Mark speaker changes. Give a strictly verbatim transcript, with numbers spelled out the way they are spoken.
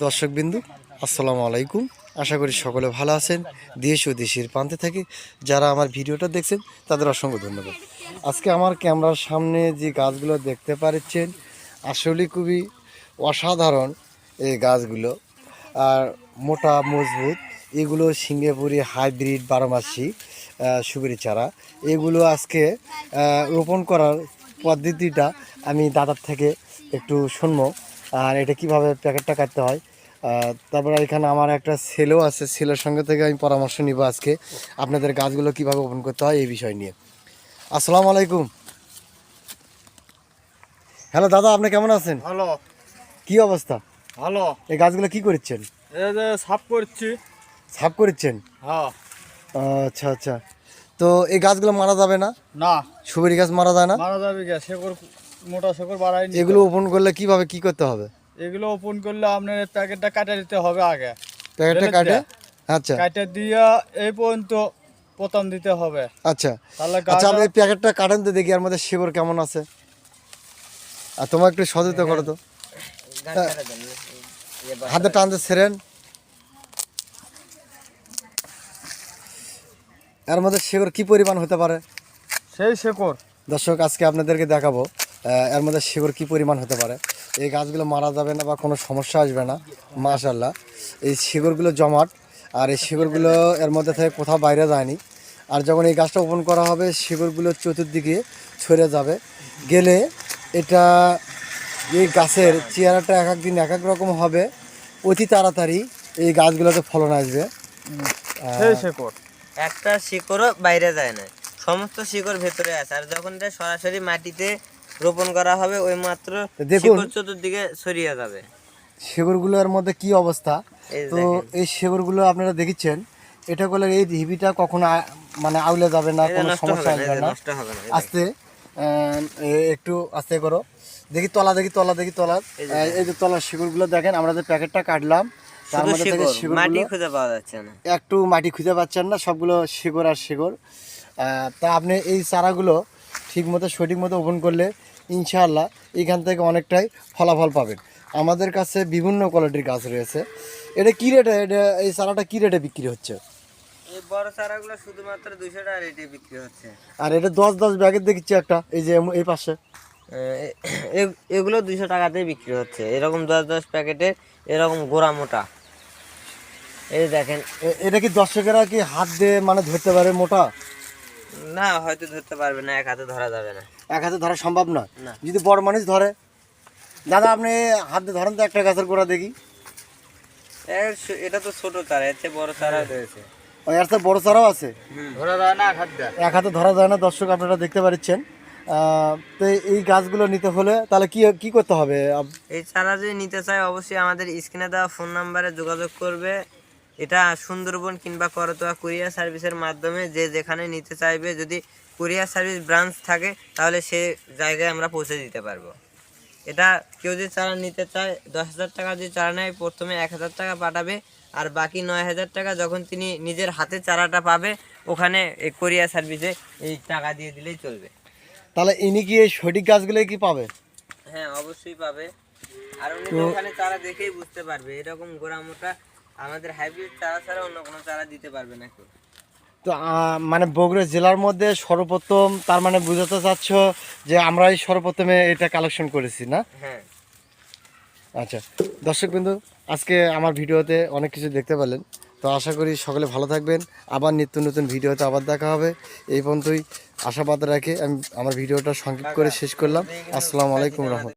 Speaker 1: দর্শকবিন্দু আসসালামু আলাইকুম। আশা করি সকলে ভালো আছেন। দেশ ও দেশের প্রান্তে থেকে যারা আমার ভিডিওটা দেখছেন তাদের অসংখ্য ধন্যবাদ। আজকে আমার ক্যামেরার সামনে যে গাছগুলো দেখতে পাচ্ছেন আসলে খুবই অসাধারণ এই গাছগুলো, আর মোটা মজবুত। এগুলো সিঙ্গাপুরি হাইব্রিড বারোমাসি সুপারি চারা। এগুলো আজকে রোপণ করার পদ্ধতিটা আমি দাদার থেকে একটু শুনবো, আর এটা কিভাবে প্যাকেটটা কাটতে হয়। তারপরে এখানে আমার একটা ছেলেও আছে, ছেলের সঙ্গে থেকে আমি পরামর্শ নিব আজকে আপনাদের গাছগুলো কিভাবে ওপেন করতে হয় এই বিষয় নিয়ে। আসসালামু আলাইকুম। হ্যালো দাদা, আপনি কেমন আছেন?
Speaker 2: ভালো।
Speaker 1: কি অবস্থা?
Speaker 2: ভালো।
Speaker 1: এই গাছগুলো কি করছেন?
Speaker 2: এই যে সাফ করছি।
Speaker 1: সাফ করছেন?
Speaker 2: হ্যাঁ।
Speaker 1: আচ্ছা আচ্ছা, তো এই গাছগুলো মারা যাবে না?
Speaker 2: না,
Speaker 1: সুপারি গাছ মারা যায় না?
Speaker 2: মারা যাবে কে? শেকড় মোটা শেকড় বাড়াই।
Speaker 1: এগুলো ওপেন করলে কিভাবে কি করতে হবে?
Speaker 2: এগুলো ওপেন করলে আপনার প্যাকেটটা কাটে দিতে হবে আগে।
Speaker 1: প্যাকেটটা কাটে? আচ্ছা,
Speaker 2: কাটে দিয়া এই পর্যন্ত প্রথম দিতে হবে।
Speaker 1: আচ্ছা
Speaker 2: তাহলে
Speaker 1: আচ্ছা, আপনি এই প্যাকেটটা কাটেন তো দেখি এর মধ্যে শিকড় কেমন আছে। আর তোমার একটু সচেতন করো তো, হাতে টানতে ছেড়েন। এর মধ্যে শিকড় কি পরিমাণ হতে পারে?
Speaker 2: সেই শেকড়
Speaker 1: দর্শক আজকে আপনাদেরকে দেখাবো এর মধ্যে শিকড় কি পরিমাণ হতে পারে। এই গাছগুলো মারা যাবে না বা কোনো সমস্যা আসবে না, মাশাআল্লাহ। এই শিকড়গুলো জমাট, আর এই শিকড়গুলো এর মধ্যে থেকে কোথাও বাইরে যায়নি। আর যখন এই গাছটা ওপেন করা হবে শিকড়গুলো চতুর্দিকে ছড়ে যাবে, গেলে এটা এই গাছের চেহারাটা এক এক দিন এক এক রকম হবে। অতি তাড়াতাড়ি এই গাছগুলোতে ফলন আসবে।
Speaker 2: সেই শেকড়
Speaker 3: একটা শিকড়ও বাইরে যায় না, সমস্ত শিকড় ভেতরে আছে। আর যখন এটা সরাসরি মাটিতে রোপণ করা হবে ওই মাত্র
Speaker 1: দেখুন
Speaker 3: চতুর্দিকে ছড়িয়ে যাবে
Speaker 1: শিকড়গুলোর মধ্যে কি অবস্থা। তো এই শিকড়গুলো আপনারা দেখেছেন, এটা করলে এই ঢিবিটা কখনো মানে আউলে যাবে না, কোনো সমস্যা আসবে না। আস্তে একটু আস্তে করো, দেখি তলা, দেখি তলা, দেখি তলা। এই যে তলার শিকড়গুলো দেখেন, আমরা যে প্যাকেটটা কাটলাম তার মধ্যে থেকে
Speaker 3: মাটি খুঁজে পাওয়া যাচ্ছে না,
Speaker 1: একটু মাটি খুঁজে পাচ্ছেন না, সবগুলো শিকড় আর শিকড়। তা আপনি এই চারাগুলো ঠিক মতো সঠিক মতো ওপেন করলে ইনশাআল্লাহ এখান থেকে অনেকটাই ফলাফল পাবেন। আমাদের কাছে বিভিন্ন কোয়ালিটির গাছ রয়েছে। এটা কী রেটে, এটা এই চারাটা কী রেটে বিক্রি হচ্ছে?
Speaker 3: এই বড় চারাগুলো শুধুমাত্র দুইশো টাকা রেটে বিক্রি হচ্ছে।
Speaker 1: আর এটা দশ দশ ব্যাগের দেখছি একটা, এই যে এই পাশে
Speaker 3: এগুলো দুইশো টাকাতেই বিক্রি হচ্ছে। এরকম দশ দশ প্যাকেটে এরকম গোড়া মোটা। এই দেখেন,
Speaker 1: এটা কি দর্শকেরা কি হাত দিয়ে মানে ধরতে পারে মোটা?
Speaker 3: না, হয়তো ধরতে পারবে না, এক হাতে ধরা যাবে না।
Speaker 1: এক হাতে ধরা সম্ভব না, যদি বড় মানুষ ধরে। দাদা আপনি হাত দিয়ে ধরেন তো একটা গাছের গোড়া দেখি।
Speaker 3: এটা তো ছোট চারা, এর চেয়ে বড় চারা রয়েছে।
Speaker 1: এর চেয়ে বড় চারাও আছে,
Speaker 2: ধরা যায় না, এক হাতে
Speaker 1: এক হাতে ধরা যায় না। দর্শক আপনারা দেখতে পাচ্ছেন। তো এই গাছগুলো নিতে হলে তাহলে কি কি করতে হবে?
Speaker 3: এই চারা যদি নিতে চায় অবশ্যই আমাদের স্ক্রিনে দেওয়া ফোন নাম্বারে যোগাযোগ করবে। এটা সুন্দরবন কিংবা করতোয়া কুরিয়ার সার্ভিসের মাধ্যমে যে যেখানে নিতে চাইবে, যদি কুরিয়ার সার্ভিস ব্রাঞ্চ থাকে তাহলে সে জায়গায় আমরা পৌঁছে দিতে পারবো। এটা কেউ যদি চারা নিতে চায়, দশ হাজার টাকা যদি চারা নেয় প্রথমে এক হাজার টাকা পাঠাবে, আর বাকি নয় হাজার টাকা যখন তিনি নিজের হাতে চারাটা পাবে ওখানে এই কুরিয়ার সার্ভিসে এই টাকা দিয়ে দিলেই চলবে।
Speaker 1: তাহলে ইনি কি এই সঠিক গাছগুলোই কি পাবে?
Speaker 3: হ্যাঁ, অবশ্যই পাবে। আর উনি তো ওখানে চারা দেখেই বুঝতে পারবে এরকম গোড়া মোটা আমাদের হাইব্রিড চারা ছাড়া অন্য কোনো চারা দিতে পারবে না কেউ।
Speaker 1: তো মানে বগুড়া জেলার মধ্যে সর্বপ্রথম, তার মানে বুঝাতে চাচ্ছ যে আমরাই সর্বপ্রথমে এটা কালেকশন করেছি না?
Speaker 3: হ্যাঁ।
Speaker 1: আচ্ছা দর্শকবৃন্দু, আজকে আমার ভিডিওতে অনেক কিছু দেখতে পেলেন। তো আশা করি সকলে ভালো থাকবেন। আবার নিত্য নতুন ভিডিওতে আবার দেখা হবে। এই পর্যন্তই আশাবাদ রেখে আমি আমার ভিডিওটা সংক্ষিপ্ত করে শেষ করলাম। আসসালামু আলাইকুম রহমতুল্লাহ।